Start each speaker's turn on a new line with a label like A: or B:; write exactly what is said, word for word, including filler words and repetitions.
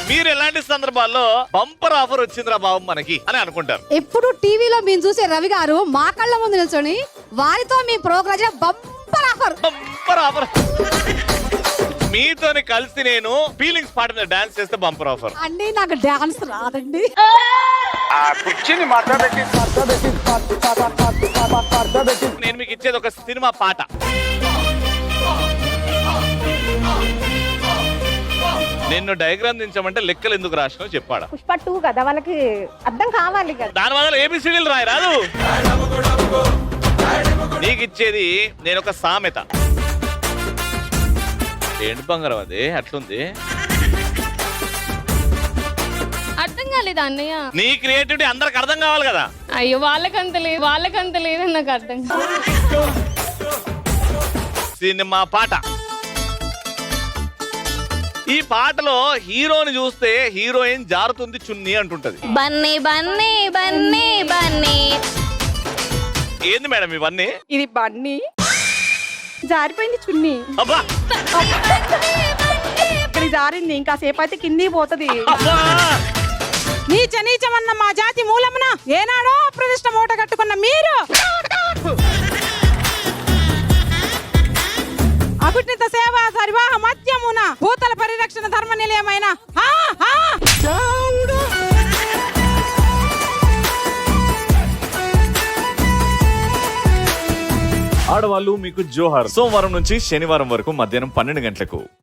A: మీరు ఎలాంటి సందర్భాల్లో బంపర్ ఆఫర్ వచ్చిందిరా బాబు మనకి అని అనుకుంటారు?
B: ఎప్పుడు టీవీలో మేము చూసే రవి గారు మా కళ్ళ ముందు నిల్చొని వారితో మీ programme bumper offer
A: bumper offer. మీతోని కలిసి నేను ఫీలింగ్స్ పాట మీద డాన్స్ చేస్తే బంపర్ ఆఫర్
B: అండి. నాకు డాన్స్ రాదండి.
A: నేను మీకు ఇచ్చేది ఒక సినిమా పాట. నిన్ను డయాగ్రామ్ దించమంటే లెక్కలు ఎందుకు రాసినావు చెప్పాడా?
C: పుష్ప టూ కదా, వాళ్ళకి అర్థం కావాలి కదా.
A: దాని వల్ల ఏబిసిడీలు రాయి రాదు. నీకు ఇచ్చేది నేను ఒక సామెత. ఏంటి బంగారం అది అట్లుంది?
D: అర్థం కాలేదు అన్నయ్య.
A: నీ క్రియేటివిటీ అందరికి అర్థం కావాలి కదా.
D: అయ్యో వాళ్ళకంత లేదు, వాళ్ళకంత లేదు, నాకు అర్థం
A: సినిమా పాట. ఈ పాటలో హీరోని చూస్తే హీరోయిన్ జారుతుంది చున్నీ అంటుంటది.
D: బన్నీ బన్నీ బన్నీ బన్నీ.
A: ఏంది మేడం ఇవన్నీ?
C: ఇది బన్నీ, జారిపోయింది చున్నీ.
A: అబ్బా
C: ఇక్కడ జారింది, ఇంకా సేపు అయితే కింది పోతుంది.
A: అబ్బా
E: నీచ నీచమన్న మా జాతి మూలమున ఏనాడో ప్రతిష్ట మూట కట్టుకున్న మీరు అకుటిత సేవ సరివాహ మధ్యమున భూతల పరిరక్షణ ధర్మ నిలయమైన
A: ఆడవాళ్ళు మీకు జోహార్. సోమవారం నుంచి శనివారం వరకు మధ్యాహ్నం పన్నెండు గంటలకు